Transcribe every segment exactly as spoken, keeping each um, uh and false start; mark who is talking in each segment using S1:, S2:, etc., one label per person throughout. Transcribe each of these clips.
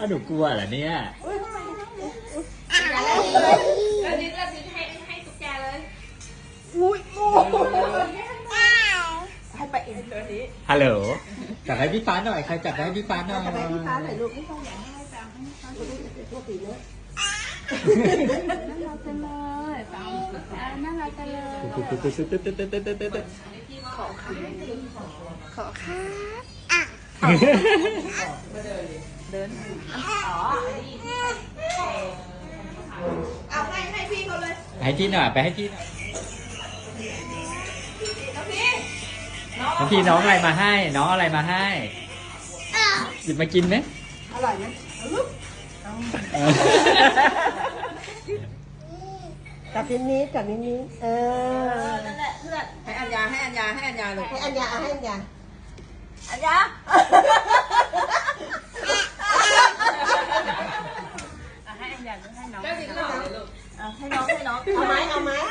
S1: หนูกลัวเหรอเนี่ย
S2: แล้วนิดแล้วนิดให้ให้ตุ๊กแกเลยอุ้ยโอ้ให้ไปเองตัวนี้
S1: ฮัลโหลจับให้พี่ฟ้าหน่อยใครจับให้พี่ฟ้าหน่อย
S3: จับให้พี่ฟ้าหน่อยลูกพี่ฟ้าอยากให้แปลงให้พี่ฟ้าดูดิตัวตีเนื้อน่ารักจังเลยแปลงน่ารักจังเลยขอค่ะขอค่ะอ่ะเดินอ๋อเอาให้ให้พี่เขาเลย
S1: ให้ที่หน่อยไปให้ที่หน่อยน้องพี่น้องอะไรมาให้น้องอะไรมาให้หยิบมากินไหม
S3: อร่อยไหมจับนิดนิดจับนิดนิดเออนั่นแหละเพื่อนให้อัญญาให้อัญญาให้อัญญาลูกให้อัญญาให้อัญญาอัญญาให้อัญญาให้น้องให้น้องให้น้องให้น้องเอาไหมเอาไหม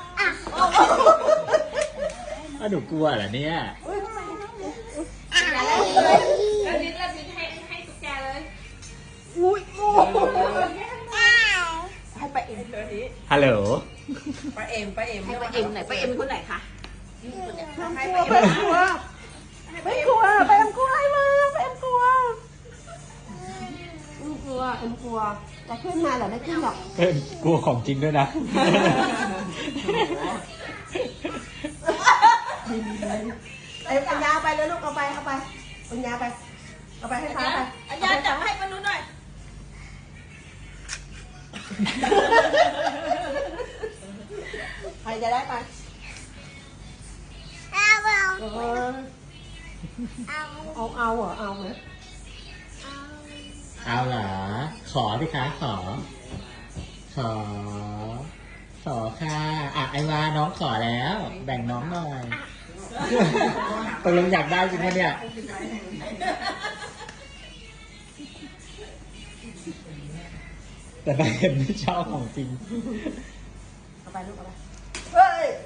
S1: หนูกลัวเหรอเนี่ย
S2: แล้วนิดแล้วนิดให้ให้ตุ๊กแกเลย
S3: อุ้ยโอ้ให้ไปเอ็มตัวนี้
S1: ฮัลโหล
S3: ไปเอ็มไปเอ็มให้ไปเอ็มไหนไปเอ็มคนไหนคะให้ไปเอ็มกลัวไม่กลัวไปเอ็มกลัวอะไรมาไปเอ็มกลัวเอ็มกลัวเอ็มกลัวจะขึ้นมาเหรอไม่ขึ้นหรอก
S1: กลัวของจริงด้วยนะ
S3: ไอ้ปัญญาไปเลยลูกเอาไปเอาไปปัญญาไปเอาไปให้ฟ้าไปปัญญาจับให้มันนู้นหน่อยใครจะได้ไปเอาเอาเอาเหรอเอาไหม
S1: เอาเหรอขอดิคะขอขอขอค่ะอ่ะไอวาน้องขอแล้วแบ่งน้องหน่อยตกลงอยากได้จริงไหมเนี่ยแต่ไปเห็นไม่ชอบของจริง
S3: เอาไปลูกเอาไปเฮ้ย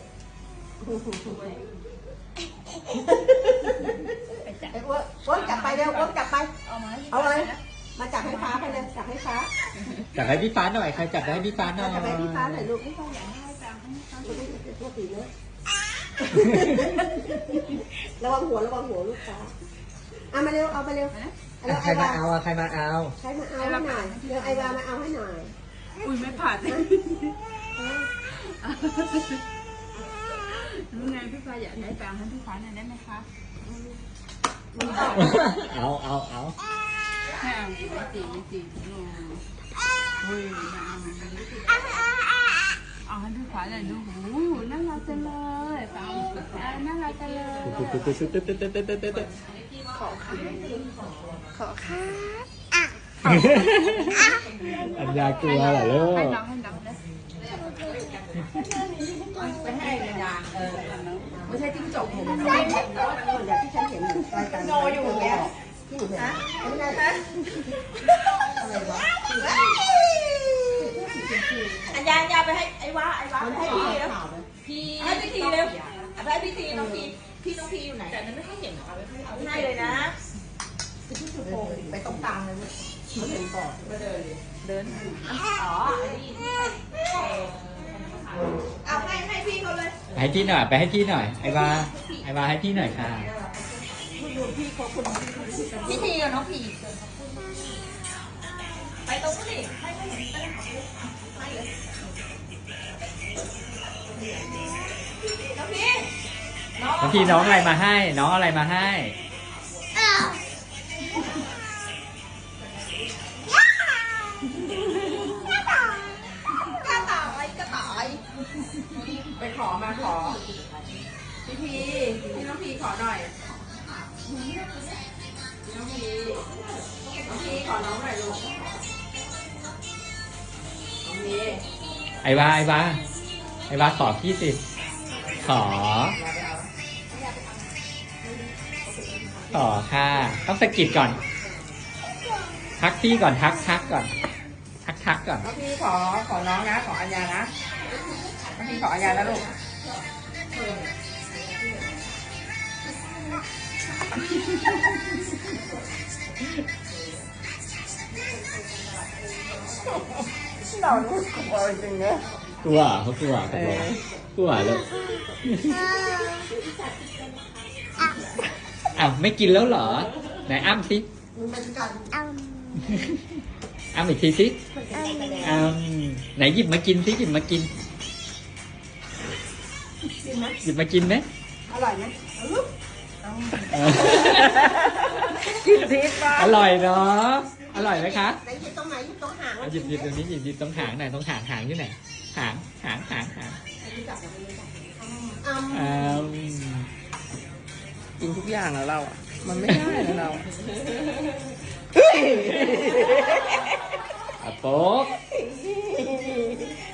S3: ไอ้อ้วนอ้วนจับไปเร็วอ้วนจับไปเอาไหมเอาเลยมาจับให้ฟ้าไปเลยจับให้ฟ้า
S1: จับให้พี่ฟ้าหน่อยใครจับให้พี่ฟ้าหน่อย
S3: จับให้พี่ฟ้าหน่อยลูกพี่ฟ้าอยากให้แปลงให้พี่ฟ้าดูดิตัวตีเนื้อระวังหัวระวังหัวลูกฟ้าเอามาเร็วเอาไปเร็ว
S1: ใครมาเอาใครมาเอา
S3: ใครมาเอาให้หน่อยเร็วไอวามาเอาให้หน่อย
S2: อุ้ยไม่ผ่านเลยรู้ไงพี่ฟ้าอยากได้แปลงให้พี่ฟ้าหน่อยได้ไหมคะ
S1: เอาเอาเอา
S2: ไม่เอาไม่ตีไม่ตีโอ้ยเอาให้พี่ฟ้าเลยดูหูน่ารักจังเลยแปลงน่ารักจังเลยขอค่ะขอค่ะ
S1: อัญญากลัวเหรอลูก
S2: ให้น้องให้น้องนะ
S3: ไปให้อัญญาเออไม่ใช่จิ้งจกผมไม่ใช่เหมือนที่ฉันเห็นรายการโนอยู่แล้วที่หนูเห็นไม่ได้อะไรวะอัญญาอัญญาไปให้ไอ้วะไอ้วะให้พี่เร็วพี่ให้พี่ทีเร็วให้พี่ทีน้องพีพี่น้องพีอยู่ไหนแต่นั้นไม่ให้เห็นหรอเอาให้เลยนะไปตรงกลางเลยเนี่ยเขาเห็นก่อนเดินเดินอ๋อไอ้นี่เอาให้ให้พี่เขาเลย
S1: ให้ที่หน่อยไปให้ที่หน่อยไอวาไอวาให้ที่หน่อยค่ะ
S3: พี่เขาคนพี่ทีกับน้องพีไปตรงนู้นดิให้ให้เห็นไปเลยน้องพี
S1: น้องพี่น้องอะไรมาให้น้องอะไรมาให้
S3: ไปขอมาขอพี่พีพี่น้องพีขอหน่อยพี่น้องพีน้องพีขอน้องหน่อยลูกน้องพี
S1: ไอวาไอวาไอวาขอพี่สิขอขอค่ะต้องสะกิดก่อนทักพี่ก่อนทักทักก่อนทักทักก่อน
S3: น้องพีขอขอน้องนะขออัญญานะน้องพีขออัญญาแล้วลูกเรานี่กลัวจริงๆนะ
S1: กลัวเขากลัวตกลงกลัวเลยอ้าวไม่กินแล้วเหรอไหนอ้ำสิอ้ำอีกทีสิอ้ำไหนหยิบมากินสิหยิบมากินหยิบมากินไหม
S3: อร่อยไหม
S1: เออ
S3: กินพิษป่ะ
S1: อร่อยเนาะอร่อยไหมคะ
S3: ไหนหยิบตรงไหนหยิบตรงหาง
S1: เอาหยิบหยิบตรงนี้หยิบหยิบตรงหางหน่อยตรงหางหางที่ไหนหางหางหางหาง
S3: อืม
S1: อ้าว
S4: กินทุกอย่างแล้วเราอ่ะ มันไม่ได้นะเราอะ
S1: อะโป๊ก